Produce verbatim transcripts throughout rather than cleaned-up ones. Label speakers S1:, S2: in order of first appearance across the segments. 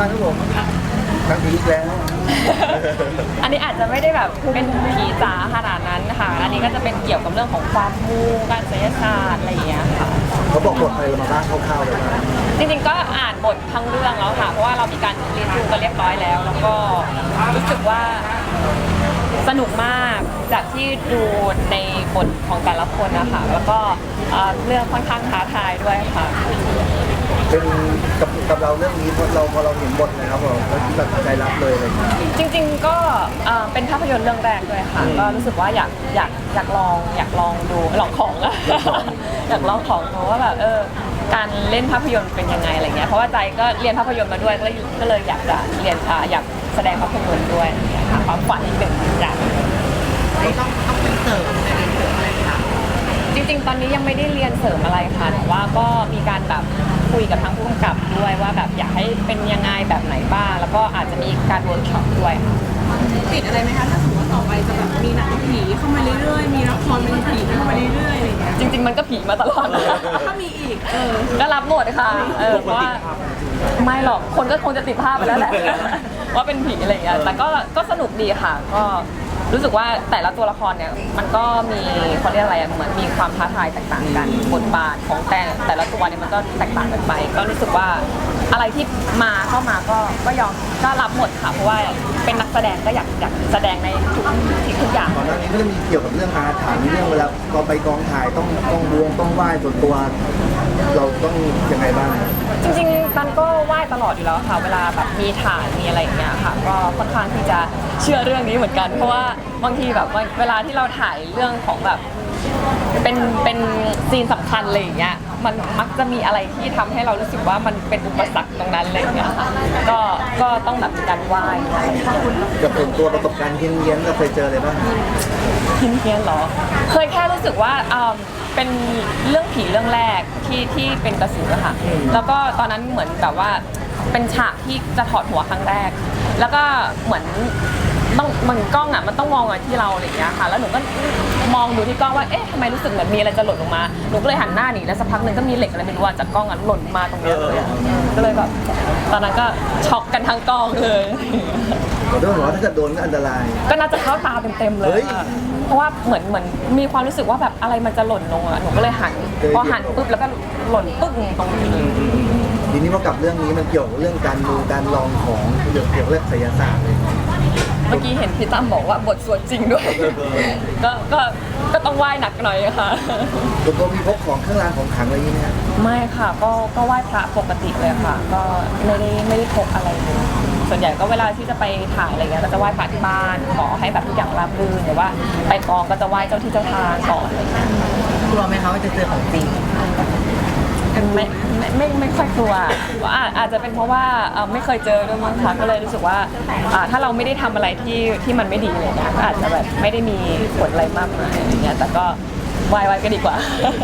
S1: บ้างครับผมครั้งนี้แล้ว
S2: อันนี้อาจจะไม่ได้แบบเป็นผีจ๋าขนาดนั้นค่ะอันนี้ก็จะเป็นเกี่ยวกับเรื่องของความมูการศิลปศาสตร์อะไรอย่างเงี้ยค่ะ
S1: เขาบอกบทอะไรมาบ้างคร่าวๆเลยนะ
S2: จริงๆก็อ่านบททั้งเรื่องแล้วค่ะเพราะว่าเรามีการเรียนรู้กันเรียบร้อยแล้วแล้วก็รู้สึกว่าสนุกมากจากที่ดูในบทของแต่ละคนนะคะแล้วก็เรื่องค่อนข้างท้าทายด้วยค่ะ
S1: เป็นกับกับเราเรื่องนี้พอเราพอเราเห็นบทนะครับเราตัดสินใจรับเลยอะไรอย่างเงี้ย
S2: จริงๆก็เป็นภาพยนตร์เรื่องแรกด้วยค่ะก็รู้สึกว่าอยากอยากอยากลองอยากลองดูลองของอะอยากลองของดูว่าแบบเออการเล่นภาพยนตร์เป็นยังไงอะไรเงี้ยเพราะว่าใจก็เรียนภาพยนตร์มาด้วยก็เลยก็เลยอยากจะเรียนอยากแสดงภาพยนตร์ด้วยค่ะความฝันอีกหนึ่งอย่าง
S3: ต้องต้องเป็นเสริมในเรื่องอะไรคะ
S2: จริงๆตอนนี้ยังไม่ได้เรียนเสริมอะไรค่ะแต่ว่าก็มีการแบบคุยกับทางผู้กำกับด้วยว่าแบบอยากให้เป็นยังไงแบบไหนบ้างแล้วก็อาจจะมีการเวิร์กช็อปด้วย
S3: ติดอะไรไหมคะถ้าสมมติว่าต่อไปจะแบบมีหนังผีเข้ามาเรื่อยๆมีละครเป็นผีเข้ามาเรื่อยๆอะไรอย่างเงี้ย
S2: จริงๆมันก็ผีมาตลอด
S3: ถ้ามีอีกเออ
S2: ก็รับหมดค่ะเออเพราะว่าไม่หรอกคนก็คงจะติดภาพไปแล้วแหละว่าเป็นผีอะไรอย่างเงี้ยแต่ก็ก็สนุกดีค่ะก็รู้สึกว่าแต่ละตัวละครเนี่ยมันก็มีเขาเรียกอะไรเหมือนมีความท้าทายแตกต่างกันบทบาทของแต่แต่ละตัวเนี่ยมันก็แตกต่างกันไปก็รู้สึกว่าอะไรที่มาเข้ามาก็ก็ยอมก็รับหมดค่ะเพราะว่าเป็นนักแสดงก็อยากอยากแสดงในทุกสิ่งทุกอย่าง
S1: ก่อนหน้านี้ก็จะมีเกี่ยวกับเรื่องอาถรรพ์เรื่องเวลาเราไปกองถ่ายต้องต้องบวงต้องไหว้ส่วนตัวเราต้องยังไงบ้าง
S2: จริงๆตันก็ไหว้ตลอดอยู่แล้วค่ะเวลาแบบมีถ่ายมีอะไรอย่างเงี้ยค่ะก็ค่อนข้างที่จะเชื่อเรื่องนี้เหมือนกันเพราะว่าบางทีแบบเวลาที่เราถ่ายเรื่องของแบบเป็นเป็นซีนสำคัญอะไรอย่างเงี้ยมันมักจะมีอะไรที่ทำให้เรารู้สึกว่ามันเป็นอุปสรรคตรงนั้นอะไรอย่างเงี้ยก็ก็ต้องแบบมีการไหว้อะไรอย่างเงี้ย
S1: กับส่วนตัวประสบการณ์เฮี้ยนๆเราเคยเจออะไรบ้าง
S2: เฮี้ยนๆหรอเคยแค่รู้สึกว่าเป็นเรื่องผีเรื่องแรกที่ที่เป็นกระสือค่ะแล้วก็ตอนนั้นเหมือนแบบว่าเป็นฉากที่จะถอดหัวครั้งแรกแล้วก็เหมือนต้องมันกล้องอ่ะมันต้องมองมาที่เราอะไรอย่างเงี้ยค่ะแล้วหนูก็มองดูที่กล้องว่าเอ๊ะทำไมรู้สึกเหมือนมีอะไรจะหล่นลงมาหนูก็เลยหันหน้าหนีแล้วสักพักหนึ่งก็มีเหล็กอะไรไม่รู้จากกล้องอ่ะหล่นมาตรงนี้เลยก็เลยแบบตอนนั้นก็ช็อกกันทั้งกองเลย
S1: ผมต้องบอกว่าถ้าเกิดโดนก็อันตราย
S2: ก็น่าจะเข้าตาเต็มๆเลยเพราะว่าเหมือนเหมือนมีความรู้สึกว่าแบบอะไรมันจะหล่นลงอ่ะหนูก็เลยหันพอหันปุ๊บแล้วก็หล่นปึ๊กตรงนี้
S1: ทีนี้พอกับเรื่องนี้มันเกี่ยวกับเรื่องการดูการลองของเกี่ยวกับเรื่องไสยศาสตร์เลย
S2: เมื่อกี้เห็นพี่ตั้มบอกว่าบทสวดจริงด้วยก็ก็ก็ต้องไหว้หนักหน่อยค่ะ
S1: ตัวตัวมีพกของเครื่องรางของขลังอะไรอย่างนี้ไหมครับ
S2: ไม่ค่ะก็ก็ไหว้พระปกติเลยค่ะก็ไม่ได้ไม่ได้พกอะไรเลยส่วนใหญ่ก็เวลาที่จะไปถ่ายอะไรเงี้ยก็จะไหว้พระที่บ้านขอให้แบบทุกอย่างราบรื่นหรือว่าไปกองก็จะไหว้เจ้าที่เจ้าทางก่อนอะไรเงี้ย
S3: กลัวไหมคะว่าจะเจอของจริง
S2: ไม่ไม่ไม่ไม่ค่อยกลัวว่าอาจจะเป็นเพราะว่าไม่เคยเจอด้วยมั้งคะก็เลยรู้สึกว่าถ้าเราไม่ได้ทำอะไรที่ที่มันไม่ดีเลยนะก็อาจจะแบบไม่ได้มีผลอะไรมากมายอะไรเงี้ยแต่ก็วายวายก็ดีกว่า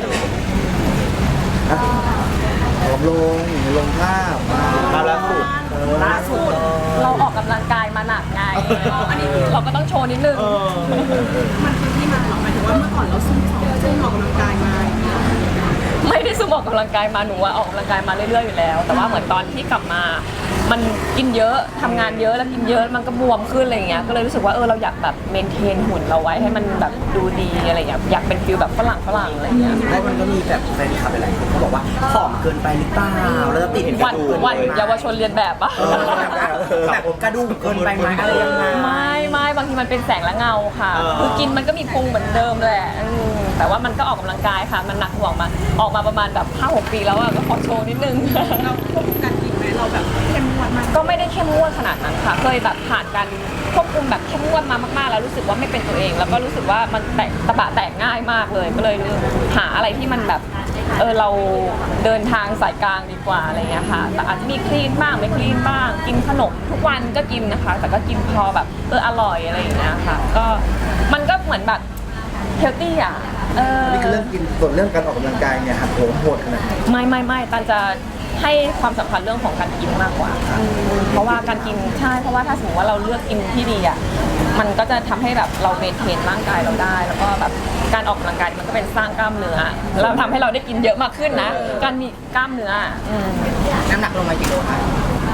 S1: ผอมลงลงภาพมาล่าสุด
S2: ล่าสุดเราออกกำลังกายมาหนักไงอันนี้เราก็ต้องโชว์นิดนึง
S3: มันคือที่มาหรอหมายถึงว่าเมื่อก่อนเราซุ่มซุ่มออกกำลังกายมา
S2: ไม่ได้ซุ่มออกกำลังกายมาหนูออกกำลังกายมาเรื่อยๆอยู่แล้วแต่ว่าเหมือนตอนที่กลับมามันกินเยอะทำงานเยอะแล้วกินเยอะมันก็บวมขึ้นอะไรเงี้ยก็เลยรู้สึกว่าเออเราอยากแบบเมนเทนหุ่นเราไว้ให้มันแบบดูดีอะไรอย่างอยากเป็นฟิลแบบฝรั่งฝรั่งอะไรเงี้ย
S3: แล้วมันก็มีแบบแฟนคลับหลายคนเขาบอกว่าผอมเกินไปหรือเปล่าแล้วติดกระดูก
S2: วันเยาวชนเรียนแบบปะ
S3: แบบกระดูกเกินไปไหมอะไรยังไง
S2: ไม่ไม่บางทีมันเป็นแสงและเงาค่ะคือกินมันก็มีพุงเหมือนเดิมแหละแต่ว่ามันก็ออกกำลังกายค่ะมันหนักห่วงมาออกมาประมาณแบบห้าหกปีแล้วอะก็ขอโชว์นิดนึง
S3: เราควบคุมการกินไหมเราแบบเข้มงวดมาก
S2: ก็ไม่ได้เข้มงวดขนาดนั้นค่ะเคยแบบผ่านการควบคุมแบบเข้มงวดมามากๆแล้วรู้สึกว่าไม่เป็นตัวเองแล้วก็รู้สึกว่ามันแตกตะบะแตกง่ายมากเลยก็เลยหาอะไรที่มันแบบเออเราเดินทางสายกลางดีกว่าอะไรเงี้ยค่ะแต่อาจจะมีคลีนบ้างไม่คลีนบ้างกินขนมทุกวันก็กินนะคะแต่ก็กินพอแบบเอออร่อยอะไรอย่างเงี้ยค่ะก็มันก็เหมือนแบบเฮลตี้อ่ะ
S1: เออนี่คือเรื่องกินส่วนเรื่องการออกกำลังกายเนี่ยหักโหมโหดขนาดไหน
S2: ไม่ไม่ไม่ตันจะให้ความสำคัญเรื่องของการกินมากกว่าเพราะว่าการกินใช่เพราะว่าถ้าสมมติว่าเราเลือกกินที่ดีอ่ะมันก็จะทำให้แบบเราเมนเทนร่างกายเราได้แล้วก็แบบการออกกำลังกายมันก็เป็นสร้างกล้ามเนื้อเราทำให้เราได้กินเยอะมากขึ้นนะการมีกล้ามเนื้อ
S3: น้ำหนักลงมากี่โลคะ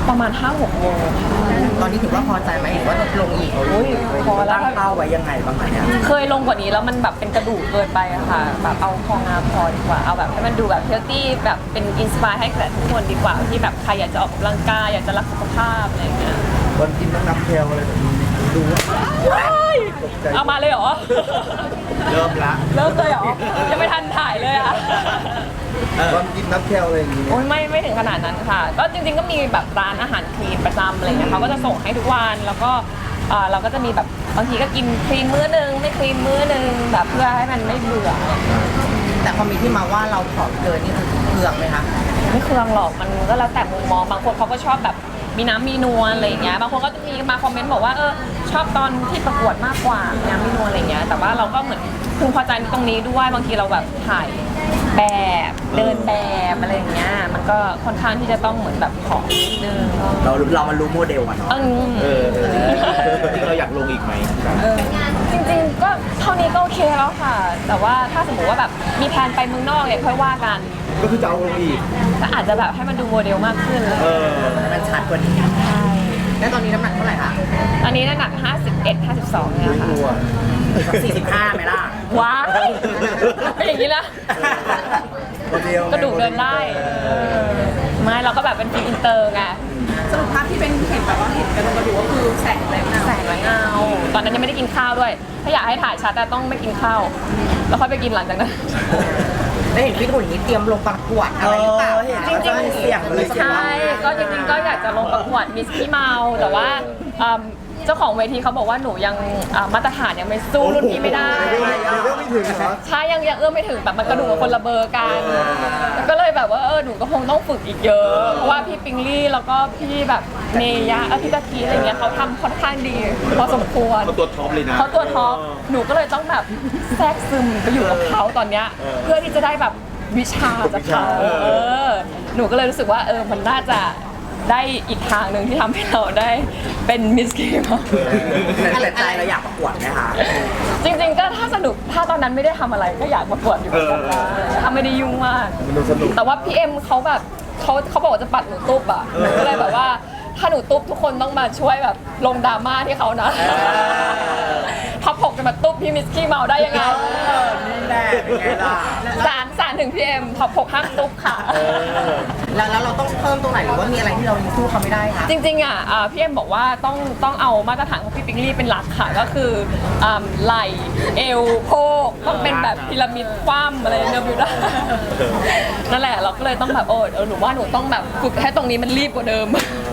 S2: ประมาณห้าหกโมงค่ะ
S4: ตอนนี้ถือว่าพอใจไหมหรือว่าลงอีก
S2: อุ้ยพอแล้ว
S4: ตั้งเป้าไว้ยังไงบ้างคะเนี่ย
S2: เคยลงกว่านี้แล้วมันแบบเป็นกระดูกเกินไปอะค่ะแบบเอาพองามพอดีกว่าเอาแบบให้มันดูแบบเฮลตี้แบบเป็นอินสปายให้กับทุกคนดีกว่าที่แบบใครอยากจะออกกำลังกายอยากจะรักสุขภาพอะไรอย่างเงี้ย
S1: วันกินน้ำน้ำแคลอะไรแบบนี้ดูว่า
S2: เอามาเลยเหรอ
S1: เริ่มละ
S2: เริ่มเลยเหรอยังไม่ทันถ่ายเลยอะ
S1: วันกินน้ำแคลอะไรอย่างนี้
S2: โอ้ยไม่ไม่ถึงขนาดนั้นค่ะ ก็จริงๆก็มีแบบร้านอาหารคลีนประจำอะไรเงี้ยเขาก็จะส่งให้ทุกวันแล้วก็เอ่อเราก็จะมีแบบบางทีก็กินคลีนมื้อนึงไม่คลีนมื้อนึงแบบเพื่อให้มันไม่เบื่อ
S4: แต่พอมีที่มาว่าเราผอมเกินนี่คือเคืองไหมคะ
S2: ไม่เคืองหรอกมันก็แล้วแต่มุมมองบางคนเขาก็ชอบแบบมีน้ำมีนวลอะไรอย่างเงี้ยบางคนก็จะมีมาคอมเมนต์บอกว่าเออชอบตอนที่ประกวดมากกว่ามีน้ำมีนวลอะไรเงี้ยแต่ว่าเราก็เหมือนพึงพอใจตรงนี้ด้วยบางทีเราแบบถ่ายแบบเดินแบบอะไรอย่างเงี้ยมันก็ค่อนข้างที่จะต้องเหมือนแบบผอมนิดนึง
S4: เราเรามันรู้โมเดลอะเนาะ
S2: เออ
S1: เออจริงเราอยากลงอีกไหม
S2: จริงๆก็เท่านี้ก็โอเคแล้วค่ะ แต่ว่าถ้าสมมติว่าแบบมีแผนไปเมืองนอกเนี่ยค่อยว่ากัน
S1: ก็คือจะเอาลงอีก
S2: ก็อาจจะแบบให้มันดูโมเดลมากขึ้นเลย
S1: เออ
S4: มันชัดกว่านี้
S2: ใช่
S4: แล้วตอนนี้น้ำหนักเท่าไหร่คะ
S2: ตอนนี้น้ำหนักห้าสิบเอ็ด ห้าสิบสองเนี่ย
S1: ไม่
S2: ค่ะ
S1: กลัว
S4: สี่สิบห้าไหมล่ะ
S2: ว้าวเป็นอย่างนี้นะ
S1: โมเดลไง
S2: กระดูกเดินได้เออไม่เราก็แบบเป็นฟิล์มอินเตอร์ไง
S3: สรุปภาพที่เป็นเห็นแบบว่าเห็นกันกระดูกก็คือแสงแรงเงา
S2: แสงและเงาตอนนั้นยังไม่ได้กินข้าวด้วย ถ้าอยากให้ถ่ายชัดอะต้องไม่กินข้าว แล้วค่อยไปกินหลังจากนั้น
S4: ได้เห็นพี่หุ่นนี้เตรียมลงประกวดอะไรหรือเปล่า
S2: จริงๆ
S4: เสี่ยงเลย
S2: ใช่ ก็จริงๆ ก็อยากจะลงประกวดมิสพี่เมา แต่ว่าเอิ่มเจ้าของเวทีเขาบอกว่าหนูยังอ่ามาตรฐานยังไม่สู้รุ่นพี่ไม่ได้
S1: เรื่องไม่ถึงเหรอ
S2: ใช่ยังยังเอื้อมไม่ถึงแบบมันกระดูกกับคนละเบอร์กันก็เลยแบบว่าเออหนูก็คงต้องฝึกอีกเยอะ เพราะว่าพี่ปิงลี่แล้วก็พี่แบบเมยะเออพี่ตะกี้อะไรเงี้ยเขาทำค่อนข้างดีพอสมควร
S1: เขาตัวท็อปเลยนะ
S2: เขาตัวท็อปหนูก็เลยต้องแบบแทรกซึมไปอยู่กับเขาตอนเนี้ยเพื่อที่จะได้แบบวิชาจากเขา
S1: เออ
S2: เออหนูก็เลยรู้สึกว่าเออมันน่าจะได้อีกทางหนึ่งที่ทำให้เราได้เป็นมิสกีมา
S4: แต่ใจเราอยากประกวดไหมคะ
S2: จริงๆก็ถ้าสนุกถ้าตอนนั้นไม่ได้ทำอะไรก็อยากประกวดอยู่เหมือนกันนะถ้าไม่ได้ยุ่งมาก
S1: มันดูสนุก
S2: แต่ว่าพี่เอ็มเขาแบบเขาเขาบอกว่าจะปัดหนูตุ๊บอ่ะหนูก็เลยแบบว่าถ้าหนูตุ๊บทุกคนต้องมาช่วยแบบลงดราม่าที่เขานะพับผกจะมาตุ๊บพี่มิสกี้เมาได้ยังไง
S4: นี่แหละเป็นไงล่ะ
S2: สารสารถึงพี่เอ็มพับผกห้ามตุ๊บค่ะ
S4: แล้วแล้วเราต้องเพิ่มตรงไหนหรือว่ามีอะไรที่เรายังสู้เขาไม่ได้คะ
S2: จริงๆอ่ะอ่าพี่เอ็มบอกว่าต้องต้องเอามาตรฐานของพี่ปิงลี่เป็นหลักค่ะก็คืออ่าไหล่เอวโพกต้องเป็นแบบพีระมิดคว่ำอะไรเนบิวได้นั่นแหละเราก็เลยต้องแบบโอ้เออหนูว่าหนูต้องแบบฝึกให้ตรงนี้มันรีบกว่าเดิม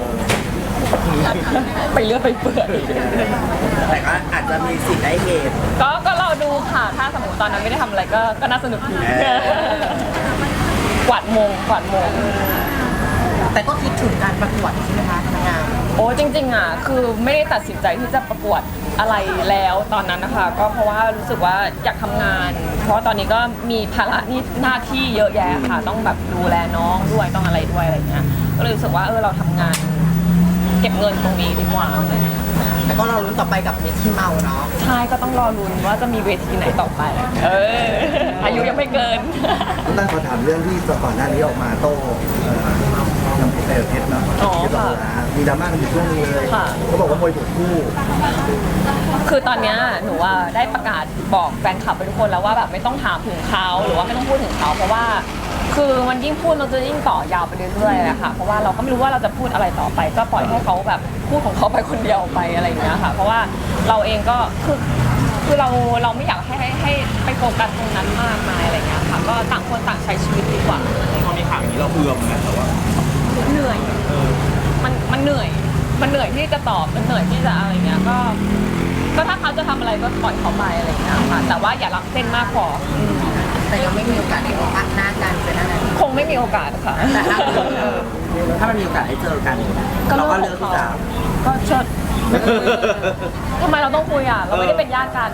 S2: ไปเลือดไปเปื่อย
S4: แต่ก็อาจจะมีสิทธิ์ได้เห็น
S2: ก็ก็รอดูค่ะ ถ้าสมมติตอนนั้นไม่ได้ทำอะไรก็ก็น่าสนุกดี
S4: เออ
S2: กวาดมงกวาดมง
S4: แต่ก็คิดถึงการประกวดใช่ไหมคะทางงาน
S2: โอ้จริงๆอ่ะคือไม่ได้ตัดสินใจที่จะประกวดอะไรแล้วตอนนั้นนะคะ ก็เพราะว่ารู้สึกว่าอยากทำงาน เพราะว่าตอนนี้ก็มีภาระนี่หน้าที่เยอะแยะค่ะ ต้องแบบดูแลน้องด้วยต้องอะไรด้วยอะไรเงี้ยก็เลยรู้สึกว่าเออเราทำงาน เก็บเงินตรงนี้ดีกว่าอะไรเงี้ย
S4: แต่ก็เราลุ้นต่อไปกับมิสที่เมาเนาะ
S2: ใช่ก็ต้องรอลุ้นว่าจะมีเวทีไหนต่อไป เออ อายุยังไม่เกิน
S1: ตั้งขอถามเรื่องที่ก่อนหน้านี้ออกมาโต้เอ่อน้ำเพชรเพชรเนาะ
S2: อ๋อ
S1: ที่บอก
S2: ค่ะ
S1: ว่ามีดราม่ากันอยู่ช่วงนึงเลย
S2: ค่ะ
S1: เขาบอกว่ามวยถูกคู่
S2: คือตอนเนี้ยหนูว่าได้ประกาศบอกแฟนคลับไปทุกคนแล้วว่าแบบไม่ต้องถามถึงเขาหรือว่าไม่ต้องพูดถึงเขาเพราะว่า คือมันยิ่งพูดมันจะยิ่งต่อยาวไปเรื่อยๆอะค่ะเพราะว่าเราก็ไม่รู้ว่าเราจะพูดอะไรต่อไป ก็ปล่อยให้เขาแบบพูดของเขาไปคนเดียวไปอะไรอย่างเงี้ยค่ะ เพราะว่าเราเองก็คือคือเราเราไม่อยากให้ให้ให้ไปโฟกัสตรงนั้นมากมายอะไรอย่างเงี้ยค่ะก็ต่างคนต่างใช้ชีวิตดีกว่า
S1: พอมีข่าวอย่างนี้เราเอือมนะแต่ว่า
S2: เหนื่อยมันมันเหนื่อย มันเหนื่อยที่จะตอบ มันเหนื่อยที่จะอะไรเงี้ย ก็ ก็ถ้าเขาจะทำอะไรก็ปล่อยเขาไปอะไรเงี้ยค่ะ แต่ว่าอย่ารักเส้นมากพออืม
S4: แต่ยังไม่มีโอกาสได้พบหน้ากันเป็นอะไร
S2: คงไม่มีโอกาสค่ะ
S4: แต่ถ้าถ้ามันมีโอกาสได้เจอกัน
S2: ก็
S4: เรา
S2: เรื่
S4: ก็
S2: องข
S4: เลื
S2: อ
S4: อก
S2: ง
S4: ที่
S2: เขา
S4: จะ
S2: ก็เชิดทำไมเราต้องคุยอ่ะ เราไม่ได้เป็นญาติกัน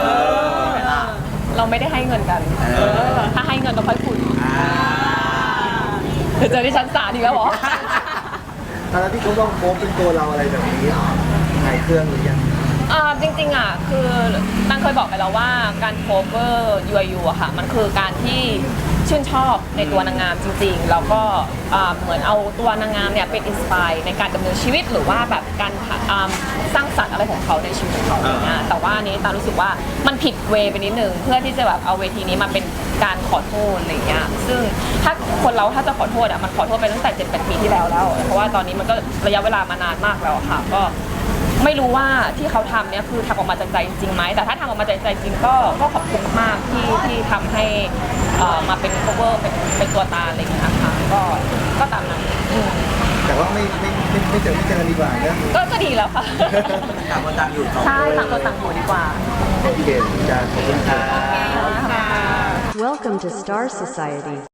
S2: เราไม่ได้ให้เงินกัน ถ้าให้เงินเราค่อยคุยเดี๋ยวเจอที่ชั้นศาลอีกแล้วเหรอ
S1: ตอนที่เขาต้องโพสต์เป็นตัวเราอะไรแบบนี้หายเครื่องหรือยัง
S2: อ่าจริงๆอ่ะคือตังเคยบอกไปแล้วว่าการ cover ยู ไอ ยู อะค่ะมันคือการที่ชื่นชอบในตัวนางงามจริงๆแล้วก็อ่าเหมือนเอาตัวนางงามเนี่ยเป็นอินสปายในการดำเนินชีวิตหรือว่าแบบการอ่าสร้างสรรค์อะไรของเขาในชีวิตของเขาอย่างเงี้ยแต่ว่าอันนี้ตารู้สึกว่ามันผิดเวย์ไปนิดนึงเพื่อที่จะแบบเอาเวทีนี้มาเป็นการขอโทษอะไรเงี้ยซึ่งถ้าคนเราถ้าจะขอโทษอ่ะมันขอโทษไปตั้งแต่เจ็ดแปดปีที่แล้วแล้วเพราะว่าตอนนี้มันก็ระยะเวลามานานมากแล้วอะค่ะก็ไม่รู้ว่าที่เขาทำเนี่ยคือทำออกมาจากใจจริงไหมแต่ถ้าทำออกมาจากใจจริงก็ก็ขอบคุณมากที่ที่ทำให้เอ่อมาเป็น cover เป็นเป็นตัวตาอะไรอย่างเงี้ยค่ะก็ก็ตามนั้นอืม
S1: แต่ว่าไม่ไม่ไม่ไม่เจอไม่เจอกันดีกว่าเนอะ
S2: ก็ก็ดีแล้วค่ะ
S4: ต่างคนต่างอยู่
S2: ใช่ต่างคนต่างอยู่ดีกว่า
S1: โอเคจ้าขอบคุณค่ะ
S2: ค่ะ
S5: Welcome to Star Society.